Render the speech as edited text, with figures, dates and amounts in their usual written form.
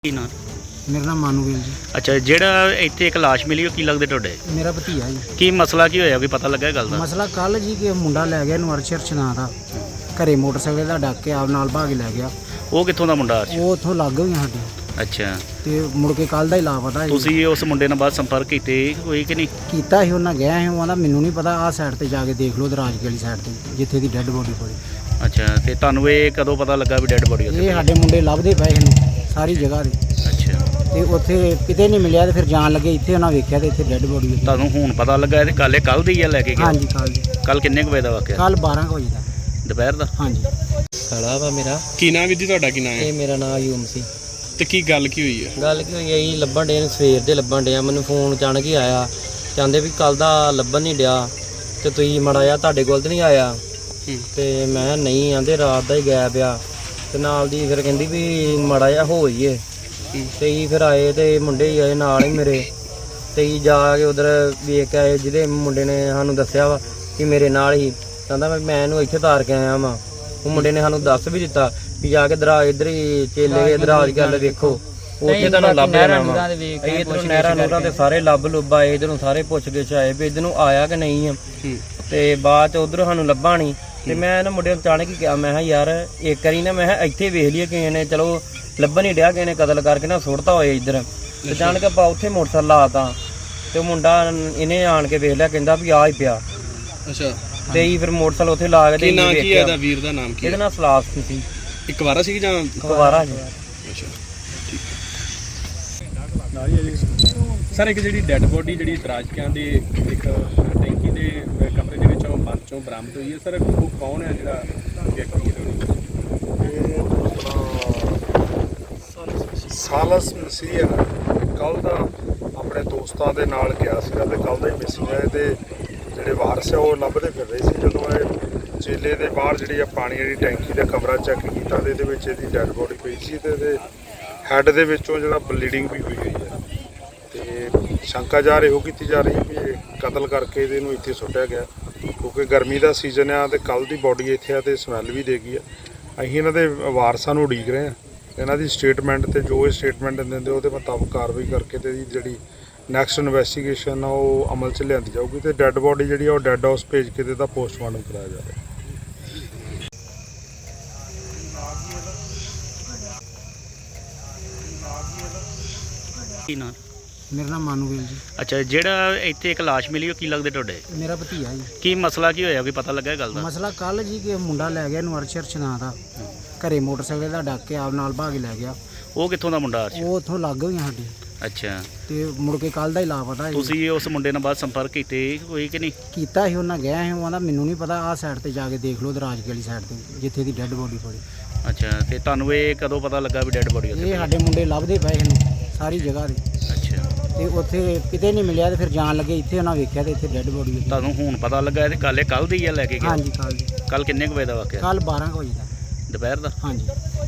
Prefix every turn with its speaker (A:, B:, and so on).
A: ਕੀ ਨਾਂ?
B: ਮੇਰਾ ਨਾਮ ਮਾਨੂਵੇਲ ਜੀ।
A: ਅੱਛਾ, ਜਿਹੜਾ ਇੱਥੇ ਇੱਕ ਲਾਸ਼ ਮਿਲੀ ਉਹ ਕੀ ਲੱਗਦੇ ਤੁਹਾਡੇ?
B: ਮੇਰਾ ਭਤੀਆ ਜੀ।
A: ਕੀ ਮਸਲਾ ਕੀ ਹੋਇਆ, ਕੋਈ ਪਤਾ ਲੱਗਾ ਇਹ ਗੱਲ ਦਾ?
B: ਮਸਲਾ ਕੱਲ ਜੀ ਕਿ ਮੁੰਡਾ ਲੈ ਗਿਆ ਇਹਨੂੰ ਅਰਸ਼ਰ ਨਾਂ ਦਾ, ਘਰੇ ਮੋਟਰਸਾਈਕਲ ਦਾ ਡੱਕ ਕੇ ਆਪ ਨਾਲ ਭਾਗ ਲੈ ਗਿਆ।
A: ਉਹ ਕਿੱਥੋਂ ਦਾ ਮੁੰਡਾ?
B: ਉਹ ਉੱਥੋਂ ਲੱਗ ਗਈ ਸਾਡੀ
A: ਅੱਛਾ,
B: ਤੇ ਮੁੜ ਕੇ ਕੱਲ ਦਾ ਹੀ ਲਾਪਤਾ ਜੀ।
A: ਤੁਸੀਂ ਉਸ ਮੁੰਡੇ ਨਾਲ ਬਾਅਦ ਸੰਪਰਕ ਕੀਤੇ ਕੋਈ ਕਿ ਨਹੀਂ?
B: ਕੀਤਾ ਸੀ, ਉਹਨਾਂ ਗਿਆ ਸੀ, ਉਹ ਕਹਿੰਦਾ ਮੈਨੂੰ ਨਹੀਂ ਪਤਾ, ਆਹ ਸਾਈਡ ਤੇ ਜਾ ਕੇ ਦੇਖ ਲਓ, ਦਰਾਜਕੇ ਵਾਲੀ ਸਾਈਡ ਤੇ ਜਿੱਥੇ ਦੀ ਡੈੱਡ ਬੋਡੀ ਪਈ।
A: ਅੱਛਾ, ਤੇ ਤੁਹਾਨੂੰ ਇਹ ਕਦੋਂ ਪਤਾ ਲੱਗਾ ਵੀ ਡੈੱਡ ਬੋਡੀ ਉੱਥੇ?
B: ਇਹ ਸਾਡੇ ਮੁੰਡੇ ਲੱਭਦੇ ਪਏ ਇਹਨੂੰ ਸਾਰੀ ਜਗ੍ਹਾ ਤੇ,
A: ਅੱਛਾ,
B: ਤੇ ਉੱਥੇ ਕਿਤੇ ਨਹੀਂ ਮਿਲਿਆ, ਤੇ ਫਿਰ ਜਾਣ ਲੱਗੇ ਇੱਥੇ ਉਹਨਾਂ ਵੇਖਿਆ ਤੇ ਇੱਥੇ ਡੈੱਡ ਬੋਡੀ।
A: ਤੁਹਾਨੂੰ ਹੁਣ ਪਤਾ ਲੱਗਾ ਇਹ ਕੱਲ ਦੀ ਆ ਲੈ ਕੇ ਗਿਆ?
B: ਹਾਂਜੀ, ਕੱਲ ਦੀ।
A: ਕੱਲ ਕਿੰਨੇ ਕੁ ਵਜੇ ਦਾ ਵਾਕਿਆ?
B: ਕੱਲ 12 ਵਜੇ ਦਾ
A: ਦੁਪਹਿਰ ਦਾ?
B: ਹਾਂਜੀ।
C: ਸਾਲਾ ਵਾ ਮੇਰਾ।
D: ਕੀ ਨਾਮ ਵੀਰ ਜੀ ਤੁਹਾਡਾ? ਕੀ ਨਾਮ ਹੈ?
C: ਇਹ ਮੇਰਾ ਨਾਮ ਅਯੂਮ ਸੀ।
D: ਤੇ ਕੀ ਗੱਲ ਕੀ ਹੋਈ ਹੈ?
C: ਗੱਲ ਕੀ ਹੋਈ ਹੈ ਜੀ, ਲੱਭਣ ਡੇ ਸਵੇਰ ਦੇ ਲੱਭਣ ਡਿਆ, ਮੈਨੂੰ ਫੋਨ ਅਚਾਨਕ ਹੀ ਆਇਆ, ਕਹਿੰਦੇ ਵੀ ਕੱਲ ਦਾ ਲੱਭਣ ਨਹੀਂ ਡਿਆ ਤੇ ਤੁਸੀਂ ਮਾੜਾ ਜਿਹਾ ਤੁਹਾਡੇ ਕੋਲ ਤੇ ਨਹੀਂ ਆਇਆ। ਤੇ ਮੈਂ ਕਿਹਾ ਨਹੀਂ, ਆਂਦੇ ਰਾਤ ਦਾ ਹੀ ਗਾਇਬ ਆ। ਤੇ ਨਾਲ ਦੀ ਫਿਰ ਕਹਿੰਦੀ ਵੀ ਮਾੜਾ ਜਿਹਾ ਹੋ ਜਾਈਏ, ਤੇ ਹੀ ਫਿਰ ਆਏ ਤੇ ਮੁੰਡੇ ਹੀ ਆਏ ਨਾਲ ਹੀ ਮੇਰੇ, ਤੇ ਹੀ ਜਾ ਕੇ ਉਧਰ ਵੇਖ ਕੇ ਆਏ, ਜਿਹਦੇ ਮੁੰਡੇ ਨੇ ਸਾਨੂੰ ਦੱਸਿਆ ਵਾ ਕਿ ਮੇਰੇ ਨਾਲ ਹੀ, ਕਹਿੰਦਾ ਮੈਂ ਇਹਨੂੰ ਇੱਥੇ ਤਾਰ ਕੇ ਆਇਆ ਵਾਂ। ਉਹ ਮੁੰਡੇ ਨੇ ਸਾਨੂੰ ਦੱਸ ਵੀ ਦਿੱਤਾ ਵੀ ਜਾ ਕੇ ਦਰਾਜ ਇੱਧਰ ਹੀ ਚੇਲੇ ਦਰਾਜ ਗੱਲ ਵੇਖੋ, ਉੱਥੇ ਤੁਹਾਨੂੰ ਲੱਭ ਜਾਣਾ ਵਾ। ਇੱਧਰੋਂ ਨਹਿਰਾਂ ਨੂਰਾਂ ਤੇ ਸਾਰੇ ਲੱਭ ਲੁੱਭ ਆਏ, ਇੱਧਰੋਂ ਸਾਰੇ ਪੁੱਛ ਗਿੱਛ ਆਏ ਵੀ ਇੱਧਰ ਨੂੰ ਆਇਆ ਕਿ ਨਹੀਂ ਆ। ਤੇ ਬਾਅਦ ਚ ਉਧਰ ਸਾਨੂੰ ਲੱਭਾ ਨਹੀਂ। ਤੇ ਮੈਂ ਇਹਨਾਂ ਮੁੰਡੇ ਨੂੰ ਅਚਾਨਕ ਹੀ ਕਿਹਾ, ਮੈਂ ਕਿਹਾ ਯਾਰ ਇੱਕ ਵਾਰੀ ਨਾ, ਮੈਂ ਕਿਹਾ ਇੱਥੇ ਵੇਖ ਲਈਏ ਕਿਸੇ ਨੇ, ਚਲੋ ਲੱਭਣ ਨਹੀਂ ਡਿਆ, ਕਿਸੇ ਨੇ ਕਤਲ ਕਰਕੇ ਨਾ ਸੁੱਟਤਾ ਹੋਏ ਇੱਧਰ। ਤੇ ਅਚਾਨਕ ਆਪਾਂ ਉੱਥੇ ਮੋਟਰਸਾਈਕਲ ਲਾਤਾ, ਤੇ ਉਹ ਮੁੰਡਾ ਇਹਨੇ ਆਣ ਕੇ ਵੇਖ ਲਿਆ, ਕਹਿੰਦਾ ਵੀ ਆ ਹੀ ਪਿਆ।
D: ਅੱਛਾ,
C: ਤੇ ਹੀ ਫਿਰ ਮੋਟਰਸਾਈਕਲ ਉੱਥੇ ਲਾ ਕੇ
D: ਕੀ ਨਾਮ ਕੀ ਹੈ ਇਹਦਾ? ਵੀਰ ਦਾ ਨਾਮ ਕੀ
C: ਇਹਦਾ
D: ਹੈ?
C: ਨਾਮ ਸਲਾਸ ਸੀ।
D: ਇੱਕ ਵਾਰਾ ਸੀ ਜਾਂ
C: ਕੁਵਾਰਾ ਜੀ।
D: ਅੱਛਾ, ਸਰ ਇੱਕ ਜਿਹੜੀ ਡੈੱਡ ਬੋਡੀ ਜਿਹੜੀ ਦਰਾਜਕਿਆਂ ਦੀ ਇੱਕ ਟੈਂਕੀ ਦੇ ਕਮਰੇ ਦੇ ਵਿੱਚੋਂ ਬੰਦ ਚੋਂ ਬਰਾਮਦ ਹੋਈ ਹੈ, ਸਰ ਉਹ ਕੌਣ ਹੈ ਜਿਹੜਾ ਵਿਅਕਤੀ ਹੈ?
E: ਸਾਲਸ ਮਸੀਹ ਹੈ। ਕੱਲ ਦਾ ਆਪਣੇ ਦੋਸਤਾਂ ਦੇ ਨਾਲ ਗਿਆ ਸੀਗਾ ਤੇ ਕੱਲ ਦਾ ਹੀ ਮਿਸਿੰਗ ਹੈ। ਤੇ ਜਿਹੜੇ ਵਾਰਸ ਆ ਉਹ ਲੱਭਦੇ ਫਿਰ ਰਹੇ ਸੀ। ਜਦੋਂ ਇਹ ਚੇਲੇ ਦੇ ਬਾਹਰ ਜਿਹੜੀ ਆ ਪਾਣੀ ਵਾਲੀ ਟੈਂਕੀ ਦਾ ਕਮਰਾ ਚੈੱਕ ਕੀਤਾ ਤੇ ਇਹਦੇ ਵਿੱਚ ਇਹਦੀ ਡੈੱਡ ਬੋਡੀ ਪਈ ਸੀ, ਤੇ ਇਹਦੇ ਹੈੱਡ ਦੇ ਵਿੱਚੋਂ ਜਿਹੜਾ ਬਲੀਡਿੰਗ ਵੀ ਹੋਈ ਹੋਈ ਹੈ। ਤੇ ਸ਼ੰਕਾ ਜਾ ਰਹੀ ਕੀਤੀ ਜਾ ਰਹੀ ਵੀ ਇਹ ਕਤਲ ਕਰਕੇ ਇਹਨੂੰ ਇੱਥੇ ਸੁੱਟਿਆ ਗਿਆ, ਕਿਉਂਕਿ ਗਰਮੀ ਦਾ ਸੀਜ਼ਨ ਆ ਤੇ ਕੱਲ ਦੀ ਬੋਡੀ ਇੱਥੇ ਆ ਤੇ ਸਮੈਲ ਵੀ ਦੇ ਗਈ ਆ। ਅਸੀਂ ਇਹਨਾਂ ਦੇ ਵਾਰਸਾਂ ਨੂੰ ਉਡੀਕ ਰਹੇ ਹਾਂ, ਇਹਨਾਂ ਦੀ ਸਟੇਟਮੈਂਟ ਤੇ ਜੋ ਇਹ ਸਟੇਟਮੈਂਟ ਦਿੰਦੇ ਉਹਦੇ ਮੁਤਾਬਕ ਕਾਰਵਾਈ ਕਰਕੇ ਤੇ ਇਹਦੀ ਜਿਹੜੀ ਨੈਕਸਟ ਇਨਵੈਸਟੀਗੇਸ਼ਨ ਆ ਉਹ ਅਮਲ 'ਚ ਲਿਆਂਦੀ ਜਾਊਗੀ ਤੇ ਡੈੱਡ ਬੋਡੀ ਜਿਹੜੀ ਆ ਉਹ ਡੈੱਡ ਹਾਊਸ ਭੇਜ ਕੇ ਤੇ ਇਹਦਾ ਪੋਸਟਮਾਰਟਮ ਕਰਾਇਆ ਜਾਵੇਗਾ।
A: ਕੀ ਨਾਂ?
B: ਮੇਰਾ ਨਾਮ ਮਾਨੂਵੇਲ ਜੀ।
A: ਅੱਛਾ, ਜਿਹੜਾ ਇੱਥੇ ਇੱਕ ਲਾਸ਼ ਮਿਲੀ ਉਹ ਕੀ ਲੱਗਦੇ ਤੁਹਾਡੇ?
B: ਮੇਰਾ ਭਤੀਆ ਜੀ।
A: ਕੀ ਮਸਲਾ ਕੀ ਹੋਇਆ, ਕੋਈ ਪਤਾ ਲੱਗਾ ਇਹ ਗੱਲ ਦਾ?
B: ਮਸਲਾ ਕੱਲ ਜੀ ਕਿ ਮੁੰਡਾ ਲੈ ਗਿਆ ਇਹਨੂੰ ਅਰਸ਼ਰ ਨਾਂ ਦਾ, ਘਰੇ ਮੋਟਰਸਾਈਕਲ ਦਾ ਡੱਕ ਕੇ ਆਪ ਨਾਲ ਭਾਗ ਲੈ ਗਿਆ।
A: ਉਹ ਕਿੱਥੋਂ ਦਾ ਮੁੰਡਾ?
B: ਉਹ ਉੱਥੋਂ ਲੱਗ ਗਈ ਸਾਡੀ,
A: ਅੱਛਾ,
B: ਤੇ ਮੁੜ ਕੇ ਕੱਲ ਦਾ ਹੀ ਲਾਪਤਾ ਜੀ।
A: ਤੁਸੀਂ ਉਸ ਮੁੰਡੇ ਨਾਲ ਬਾਅਦ ਸੰਪਰਕ ਕੀਤੇ ਕੋਈ ਕਿ ਨਹੀਂ?
B: ਕੀਤਾ ਸੀ, ਉਹਨਾਂ ਗਿਆ ਸੀ, ਉਹ ਕਹਿੰਦਾ ਮੈਨੂੰ ਨਹੀਂ ਪਤਾ, ਆਹ ਸਾਈਡ ਤੇ ਜਾ ਕੇ ਦੇਖ ਲਓ, ਦਰਾਜਕੇ ਵਾਲੀ ਸਾਈਡ ਤੇ ਜਿੱਥੇ ਦੀ ਡੈੱਡ ਬੋਡੀ ਪਈ।
A: ਅੱਛਾ, ਤੇ ਤੁਹਾਨੂੰ ਇਹ ਕਦੋਂ ਪਤਾ ਲੱਗਾ ਵੀ ਡੈੱਡ ਬੋਡੀ ਉੱਥੇ?
B: ਇਹ ਸਾਡੇ ਮੁੰਡੇ ਲੱਭਦੇ ਪਏ ਇਹਨੂੰ ਸਾਰੀ ਜਗ੍ਹਾ ਤੇ,
A: ਅੱਛਾ,
B: ਤੇ ਉੱਥੇ ਕਿਤੇ ਨਹੀਂ ਮਿਲਿਆ, ਤੇ ਫਿਰ ਜਾਣ ਲੱਗੇ ਇੱਥੇ ਉਹਨਾਂ ਵੇਖਿਆ ਤੇ ਇੱਥੇ ਡੈੱਡ ਬੋਡੀ।
A: ਤੁਹਾਨੂੰ ਹੁਣ ਪਤਾ ਲੱਗਾ ਇਹ ਕੱਲ ਦੀ ਆ ਲੈ ਕੇ ਗਿਆ?
B: ਹਾਂਜੀ, ਕੱਲ ਦੀ।
A: ਕੱਲ ਕਿੰਨੇ ਕੁ ਵਜੇ ਦਾ ਵਾਕਿਆ?
B: ਕੱਲ 12 ਵਜੇ ਦਾ
A: ਦੁਪਹਿਰ ਦਾ?
B: ਹਾਂਜੀ।